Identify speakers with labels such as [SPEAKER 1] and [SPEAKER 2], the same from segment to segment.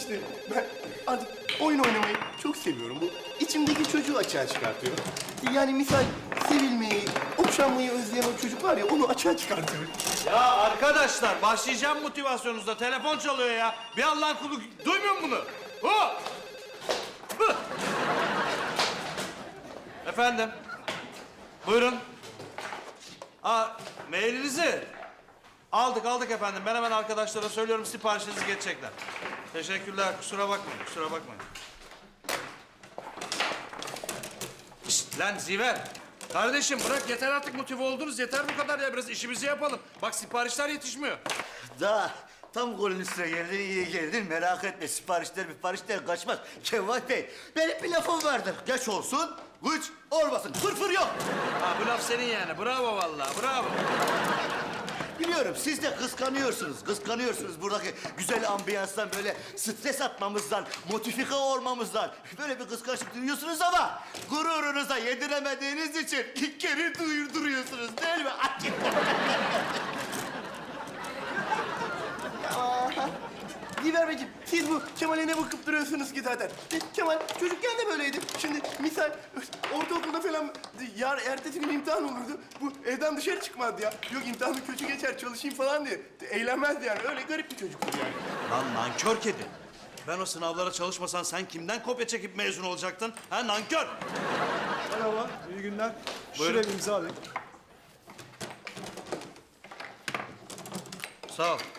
[SPEAKER 1] işte ben artık oyun oynamayı çok seviyorum. Bu içimdeki çocuğu açığa çıkartıyor. Yani misal sevilmeyi, okşanmayı özleyen o çocuk var ya onu açığa çıkartıyor.
[SPEAKER 2] Ya arkadaşlar başlayacağım motivasyonunuzda. Telefon çalıyor ya. Bir Allah'ın kulu duymuyor musun bunu? Hu! Hı! Efendim? Buyurun. Mailinizi aldık efendim. Ben hemen arkadaşlara söylüyorum, siparişinizi geçecekler. Teşekkürler. Kusura bakmayın. Şişt, lan Ziver. Kardeşim bırak, yeter artık motive oldunuz. Yeter bu kadar ya, biraz işimizi yapalım. Bak siparişler yetişmiyor.
[SPEAKER 3] Daha tam golün üstüne geldin, iyi geldin. Merak etme, siparişler kaçmaz. Kemal Bey, benim bir lafım vardır. Geç olsun, güç olmasın. Fırfır yok.
[SPEAKER 2] Ha bu laf senin yani. Bravo vallahi, bravo.
[SPEAKER 3] Biliyorum, siz de kıskanıyorsunuz buradaki güzel ambiyanstan, böyle stres atmamızdan, motifika olmamızdan. Böyle bir kıskançlık duyuyorsunuz ama gururunuza yediremediğiniz için geri duruyorsunuz değil mi?
[SPEAKER 1] Diver Beyciğim, siz bu Kemal'e ne bakıp duruyorsunuz ki zaten? Kemal çocukken de böyleydi. Şimdi misal ortaokulda falan ertesi gün imtihan olurdu. Bu evden dışarı çıkmazdı ya. Yok imtihanı kötü geçer, çalışayım falan diye. Eğlenmezdi yani. Öyle garip bir çocuktu yani.
[SPEAKER 2] Lan nankör kedi. Ben o sınavlara çalışmasan sen kimden kopya çekip mezun olacaktın? Ha nankör.
[SPEAKER 4] Merhaba, iyi günler.
[SPEAKER 2] Buyurun.
[SPEAKER 4] Şuraya bir imza alayım.
[SPEAKER 2] Sağ ol.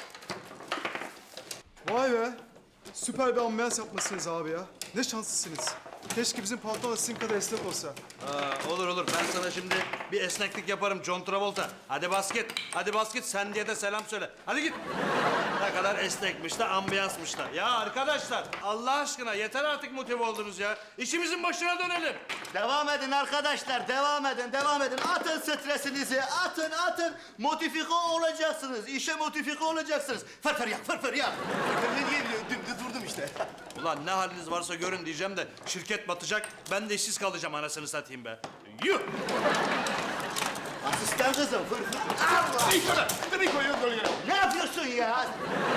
[SPEAKER 4] Vay be, süper bir ambiyans yapmışsınız abi ya. Ne şanslısınız. Keşke bizim patron da sizin kadar esnek olsa.
[SPEAKER 2] Olur. Ben sana şimdi bir esneklik yaparım John Travolta. Hadi basket. Sen diye de selam söyle. Hadi git. Ne kadar esnekmiş de ambiyansmış da. Ya arkadaşlar Allah aşkına yeter artık motive oldunuz ya. İşimizin başına dönelim.
[SPEAKER 3] Devam edin arkadaşlar, devam edin. Atın stresinizi, atın. Motifika olacaksınız, işe motifika olacaksınız. Fırfır yak.
[SPEAKER 1] Ne diye dümdüz durdum işte.
[SPEAKER 2] Ulan ne haliniz varsa görün diyeceğim de şirket batacak. Ben de işsiz kalacağım anasını satayım be. Yuh!
[SPEAKER 3] Asistan kızım, fırfır. Allah!
[SPEAKER 1] Tabii koyuyoruz böyle.
[SPEAKER 3] Ne yapıyorsun ya?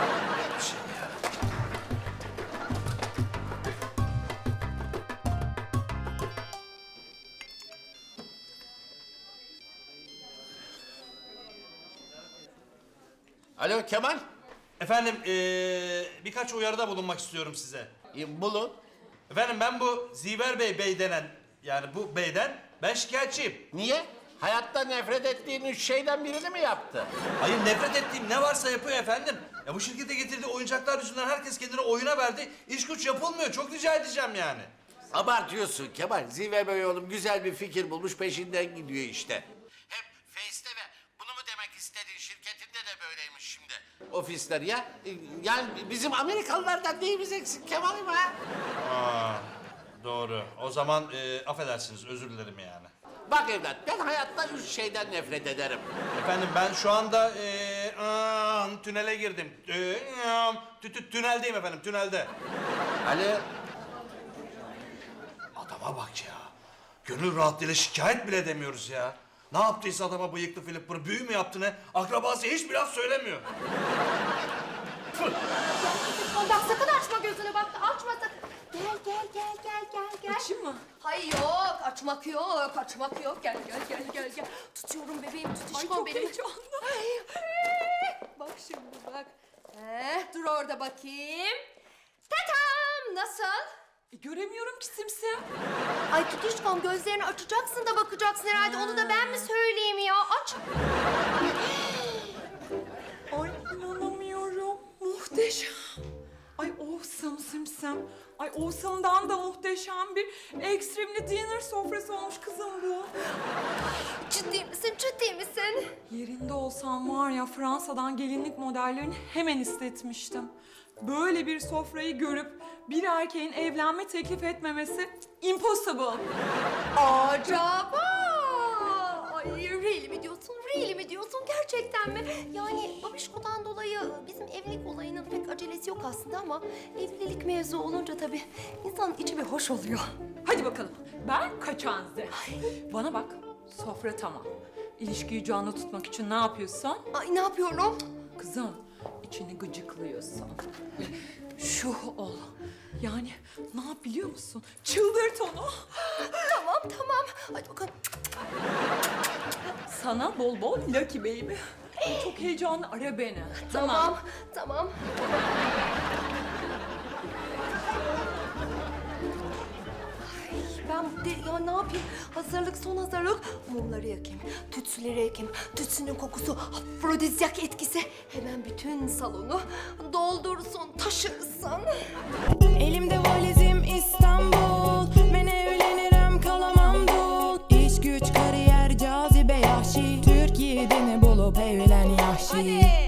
[SPEAKER 5] Alo Kemal.
[SPEAKER 2] Efendim birkaç uyarıda bulunmak istiyorum size.
[SPEAKER 5] Bulun.
[SPEAKER 2] Efendim ben bu Ziver Bey denen yani bu beyden ben şikayetçiyim.
[SPEAKER 5] Niye? Hayatta nefret ettiğin üç şeyden birini mi yaptı?
[SPEAKER 2] Hayır nefret ettiğim ne varsa yapıyor efendim. Ya bu şirkete getirdiği oyuncaklar yüzünden herkes kendini oyuna verdi. İş güç yapılmıyor. Çok rica edeceğim yani.
[SPEAKER 5] Abartıyorsun Kemal. Ziver Bey oğlum güzel bir fikir bulmuş peşinden gidiyor işte. Hep Face'te ve bunu mu demek istediğin şirketinde de böyleymiş şimdi. Ofisler ya. Yani bizim Amerikalılardan neyimiz eksik Kemal'im ha?
[SPEAKER 2] Doğru. O zaman affedersiniz özür dilerim yani.
[SPEAKER 5] Bak evlat ben hayatta üç şeyden nefret ederim.
[SPEAKER 2] Efendim ben şu anda tünele girdim. Tüneldeyim efendim tünelde.
[SPEAKER 5] Alo.
[SPEAKER 2] Adama bak ya. Gönül rahatlığıyla şikayet bile edemiyoruz ya. Ne yaptıysa adama bıyıklı Flipper büyü mü yaptı ne? Akrabası hiçbir laf söylemiyor.
[SPEAKER 6] Bak sakın açma gözünü bak açma sakın. Gel.
[SPEAKER 7] Açayım mı?
[SPEAKER 6] Hayır yok açmak yok. Gel. Tutuyorum bebeğim tutuşkom
[SPEAKER 7] Ay, çok
[SPEAKER 6] benim.
[SPEAKER 7] heyecanlı.
[SPEAKER 6] Bak şimdi bak. Dur orada bakayım. Tatam nasıl?
[SPEAKER 7] Göremiyorum ki simsim.
[SPEAKER 6] Ay tutuşkom gözlerini açacaksın da bakacaksın herhalde. Onu da ben mi söyleyeyim ya? Aç.
[SPEAKER 7] Ay inanamıyorum. Muhteşem. Ay awesome simsim. Ay awesome'dan da muhteşem bir extremely dinner sofrası olmuş kızım bu.
[SPEAKER 6] Ciddi misin?
[SPEAKER 7] Yerinde olsam var ya Fransa'dan gelinlik modellerini hemen istetmiştim. Böyle bir sofrayı görüp bir erkeğin evlenme teklif etmemesi impossible.
[SPEAKER 6] Acaba? Ay really mi diyorsun? Gerçekten mi? Yani babişkodan dolayı bizim evlilik olayının pek acelesi yok aslında ama evlilik mevzu olunca tabii insanın içi bir hoş oluyor.
[SPEAKER 7] Hadi bakalım. Ben kaçanze. Bana bak. Sofra tamam. İlişkiyi canlı tutmak için ne yapıyorsun?
[SPEAKER 6] Ay ne yapıyorum?
[SPEAKER 7] Kızım, içini gıcıklıyorsun. Şu ol. Yani ne yap biliyor musun? Çıldırt onu.
[SPEAKER 6] Tamam. Hadi bakalım.
[SPEAKER 7] Sana bol bol Lucky Baby. Çok heyecanlı, ara beni.
[SPEAKER 6] Tamam. Ay, ben de ya ne yapayım? Son hazırlık. Mumları yakayım, tütsüleri yakayım. Tütsünün kokusu, afrodizyak etkisi hemen bütün salonu doldursun, taşırsın.
[SPEAKER 8] Elimde valizim İstanbul. Ben evlenirim kalamam dul. İş güç kariyer cazibe yahşi. Türkiye'deni bulup evlen yahşi.